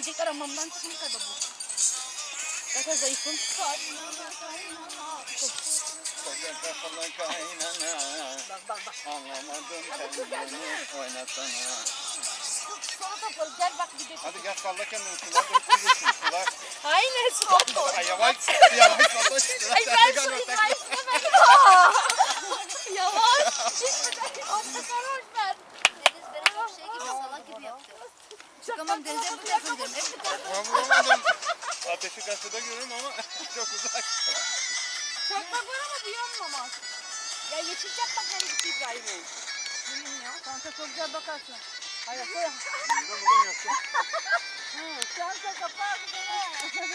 böcekler hamamdan çıkmış kadar bu. Zaten zayıfım. Koca kafalı kaynana. Bak. Anlamadım kendini oynasana. Sonra kapalı. Gel bak bir de. Hadi gel salla kendini sular dökülürsün sular. Aynen su. Ay yavaş salla işte. Ay ben su İbrahim istemedim. Yavaş. Orta sarhoş ben. Deniz beni çok şey gibi salak gibi yaptı. Çıkamam denize bu tarafa gidiyorum. Hep bu tarafa. Ben vuramadım. Ateşi karşıda görüyorum ama çok uzak. Çakmak var ama duyanmamaz. Ya Yeşilçak bak nereye gitti İbrahim'in. Bilmiyorum. Kanka çok güzel bakarsın. Hayır koy. Buradan yaptım. Kanka kapağı güzel.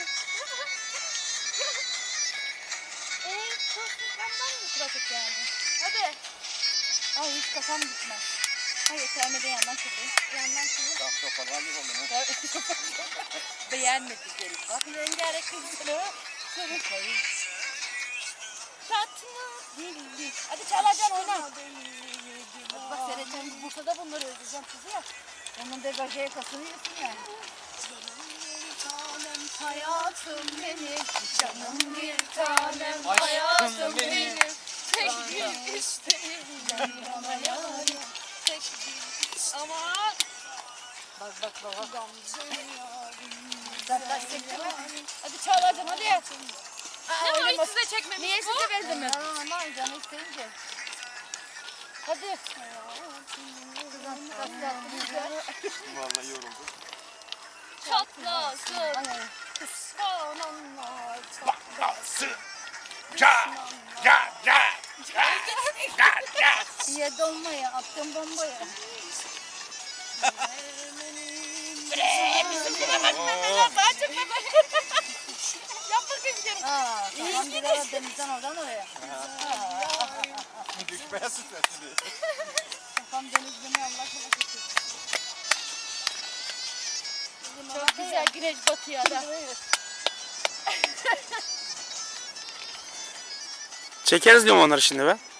Çok sıkandan mı trafik geldi? Hadi. Ay hiç kafam gitmez. Hayır sevmeden yandan kırdım. Yandan kırdım. Tamam toparlandık oğlum. Beğenmedik herif. Bak rengarenk kızları. Sarı. Tatlı dilli. Hadi çalacaksın oyna. Bak seyredeceğim. Bursa'da bunları özleyeceğim sizi ya. Onun degaje yakasını yesin ya. Hayatım benim, canım bir tanem, hayatım benim. Tek bir isteğim bana yarim. Tek bir aman. Bak. Zaten çekme. Hadi çağıracağım hadi. Ne o hiç size çekmemiş Niye bu? size benzemiyor? Aman canı isteyince. Hadi. Vallahi yoruldum. Çatlasın. Kıskananlar. Bakası. Ya. Diye dolmaya attım bombayı. Yap bakayım canım. Kafam gider denizden oradan oraya. Düşmeye sütlesin. Kafam denizden Allah korusun. Çok güzel güneş batıyor da. Çekeriz diyorum onları şimdi be.